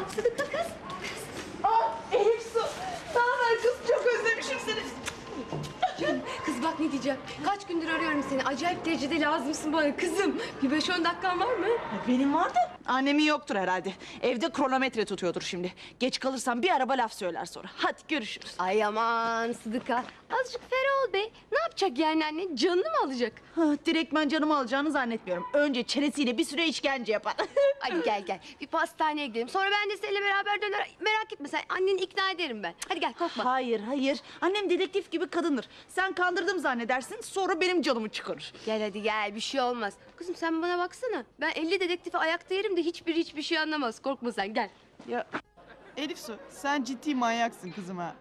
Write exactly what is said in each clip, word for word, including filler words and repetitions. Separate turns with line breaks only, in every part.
Sıdıka kız.
Aa, Elif Su. Ne haber kız? Çok özlemişim seni.
Kız bak ne diyeceğim. Kaç gündür arıyorum seni. Acayip derecede lazımsın bana kızım. Bir beş on dakikan var mı?
Benim vardı. Annemin yoktur herhalde. Evde kronometre tutuyordur şimdi. Geç kalırsam bir araba laf söyler sonra. Hadi görüşürüz.
Ay aman Sıdıka. Azıcık ferah ol be. Ne yapacak yani anne? Canını mı alacak?
Ha, direktmen canımı alacağını zannetmiyorum. Önce çenesiyle bir süre işkence yapar.
Hadi gel gel. Bir pastaneye gidelim. Sonra ben de seninle beraber döner. Merak etme sen. Anneni ikna ederim ben. Hadi gel korkma.
Hayır, hayır. Annem dedektif gibi kadındır. Sen kandırdım zannedersin, sonra benim canımı çıkarır.
Gel hadi gel. Bir şey olmaz. Kızım sen bana baksana. Ben elli dedektifi ayakta yerim de hiçbir hiçbir şey anlamaz. Korkma sen gel.
Ya
Elif Su, sen ciddi manyaksın kızım ha.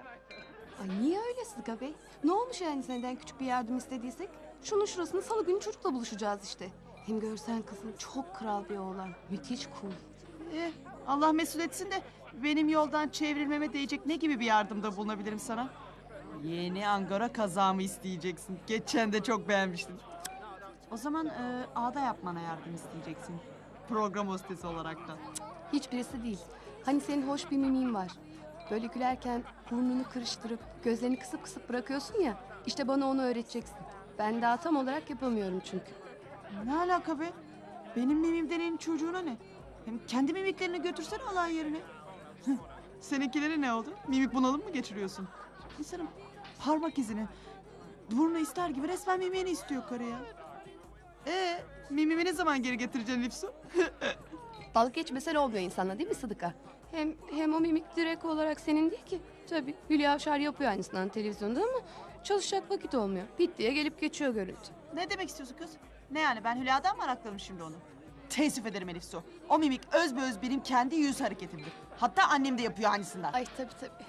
Ay niye öyle Sıdıka Bey? Ne olmuş yani senden küçük bir yardım istediysek? Şunun şurasını salı günü çocukla buluşacağız işte. Hem görsen kızım çok kral bir oğlan. Müthiş cool.
Eh, Allah mesul etsin de benim yoldan çevrilmeme değecek ne gibi bir yardımda bulunabilirim sana? Yeni Angora kazağımı isteyeceksin. Geçen de çok beğenmiştim. O zaman e, ağda yapmana yardım isteyeceksin. Program hostesi olaraktan.
Hiçbirisi değil. Hani senin hoş bir mimin var. Böyle gülerken burnunu kırıştırıp gözlerini kısıp kısıp bırakıyorsun ya. İşte bana onu öğreteceksin. Ben daha tam olarak yapamıyorum çünkü.
Ne alaka be? Benim mimim deneyin çocuğuna ne? Hem kendi mimiklerini götürsene alay yerine. Seninkileri ne oldu? Mimik bunalım mı geçiriyorsun? İnsanın parmak izini, burnu ister gibi resmen mimiğini istiyor karı ya. Ee, mimimi ne zaman geri getireceksin Lifsu?
Balık geçmesen olmuyor insanla değil mi Sıdıka? Hem, hem o mimik direkt olarak senin değil ki. Tabii Hülya Avşar yapıyor aynısından televizyonda ama çalışacak vakit olmuyor. Bit diye gelip geçiyor görüntü.
Ne demek istiyorsun kız? Ne yani ben Hülya'dan mı arakladım şimdi onu? Teessüf ederim Elif Su. O mimik özbeöz benim kendi yüz hareketimdir. Hatta annem de yapıyor aynısından.
Ay tabii tabii.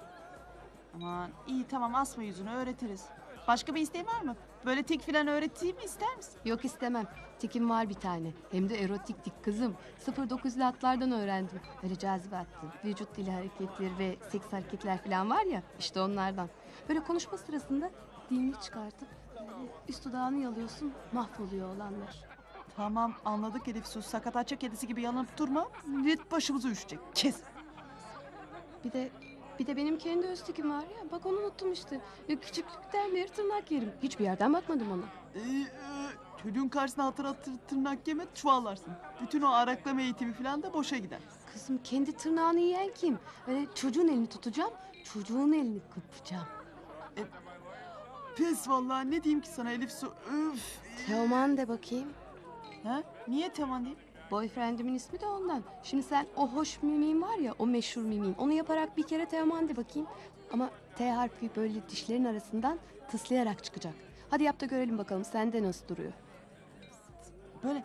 Aman iyi tamam asma yüzünü öğretiriz. Başka bir isteğin var mı? Böyle tik filan öğreteyim mi ister misin?
Yok istemem. Tikim var bir tane. Hem de erotik tik kızım. sıfır dokuzlu atlardan öğrendim. Öyle cazibe attı. Vücut dili hareketleri ve seks hareketler falan var ya. İşte onlardan. Böyle konuşma sırasında dilini çıkartıp böyle üst dudağını yalıyorsun. Mahvoluyor olanlar.
Tamam anladık Elif Su. Sakatacak kedisi gibi yanıp durma. Millet başımıza üşecek. Kes.
Bir de bir de benim kendi öz tikim var ya. Bak onu unuttum işte. Ya küçüklükten beri tırnak yerim. Hiçbir yerden bakmadım ona.
Ee, e, çocuğun karşısına hatır hatır tırnak yeme çuvallarsın. Bütün o araklama eğitimi falan da boşa gider.
Kızım kendi tırnağını yiyen kim? Öyle çocuğun elini tutacağım. Çocuğun elini kıpacağım.
Pes vallahi ne diyeyim ki sana Elif Su. Üf.
Teoman de bakayım.
Ha? Niye Teman diyeyim?
Boyfriendimin ismi de ondan. Şimdi sen o hoş mimiğin var ya, o meşhur mimiğin. Onu yaparak bir kere Teoman de bakayım. Ama T harfi böyle dişlerin arasından tıslayarak çıkacak. Hadi yap da görelim bakalım sende nasıl duruyor.
Böyle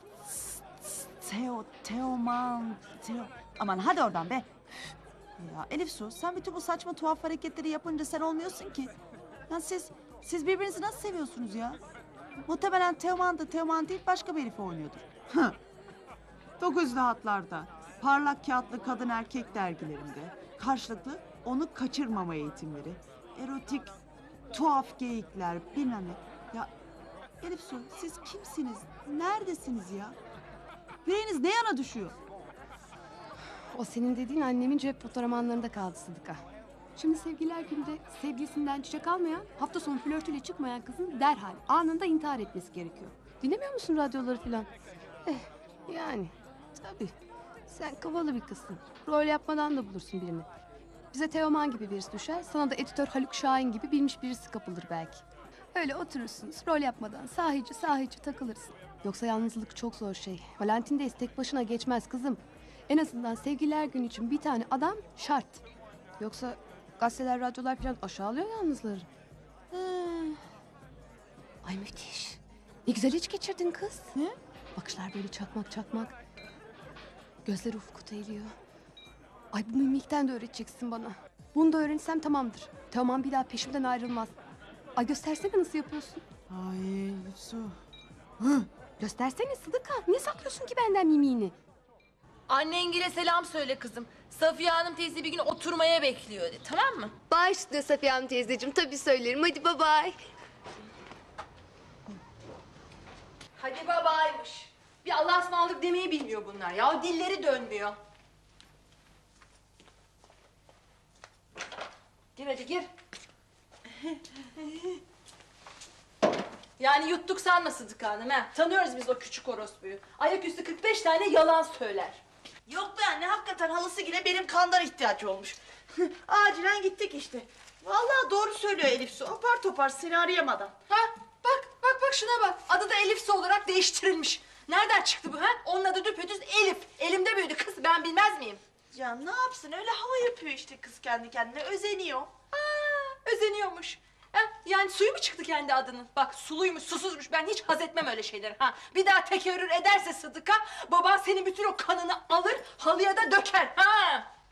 Teo, Teoman, Teo. Aman hadi oradan be. Ya Elif Su sen bütün bu saçma tuhaf hareketleri yapınca sen olmuyorsun ki. Ya siz, siz birbirinizi nasıl seviyorsunuz ya? Muhtemelen Teoman da Teoman değil başka bir herife oynuyordur. Dokuzlu hatlarda, parlak kağıtlı kadın erkek dergilerinde karşılıklı onu kaçırmama eğitimleri, erotik tuhaf geyikler bilmem ne. Ya Elif Su siz kimsiniz? Neredesiniz ya? Yüreğiniz ne yana düşüyor?
O senin dediğin annemin cep fotoğrafmanlarında kaldı Sıdıka. Şimdi sevgililer günde sevgilisinden çiçek almayan, hafta sonu flörtüyle çıkmayan kızın derhal anında intihar etmesi gerekiyor. Dinlemiyor musun radyoları falan? Eh yani tabii. Sen kavalı bir kızsın. Rol yapmadan da bulursun birini. Bize Teoman gibi birisi düşer, sana da editör Haluk Şahin gibi bilmiş birisi kapılır belki. Öyle oturursunuz, rol yapmadan sahici sahici takılırsın. Yoksa yalnızlık çok zor şey. Valentin'deyiz tek başına geçmez kızım. En azından sevgililer günü için bir tane adam şart. Yoksa gazeteler, radyolar falan aşağılıyor yalnızları. Hmm. Ay müthiş. Ne güzel hiç geçirdin kız.
Ne?
Bakışlar böyle çakmak çakmak. Gözler ufku eğiliyor. Ay bu mimikten de öğreteceksin bana. Bunu da öğrensem tamamdır. Tamam bir daha peşimden ayrılmaz. Ay göstersene nasıl yapıyorsun.
Ay Elif Su.
Göstersene Sıdıka. Niye saklıyorsun ki benden mimiğini?
Annengile selam söyle kızım. Safiye Hanım teyze bir gün oturmaya bekliyor de, tamam mı?
Baş üstüne Safiye Hanım teyzeciğim. Tabii söylerim. Hadi bye bye.
Hadi babaymış. Bir Allah'a ısmarladık demeyi bilmiyor bunlar ya. Dilleri dönmüyor. Gir hadi gir. Yani yuttuk sanma Sıdıka Hanım ha. Tanıyoruz biz o küçük orospuyu. Ayaküstü kırk beş tane yalan söyler.
Yok be anne, hakikaten halası yine benim kandan ihtiyacı olmuş. Acilen gittik işte. Vallahi doğru söylüyor Elif Su. Apar topar seni arayamadan.
Ha bak bak bak şuna bak. Adı da Elif Su olarak değiştirilmiş. Nereden çıktı bu ha? Onun adı düpedüz Elif. Elimde büyüdü kız, ben bilmez miyim?
Ya ne yapsın, öyle hava yapıyor işte kız kendi kendine, özeniyor.
Aa, özeniyormuş. Ha, yani suyu mu çıktı kendi adının? Bak suluymuş, susuzmuş. Ben hiç haz etmem öyle şeyleri. Ha, bir daha tekerrür ederse Sıdıka, baban senin bütün o kanını alır, halıya da döker. Ha.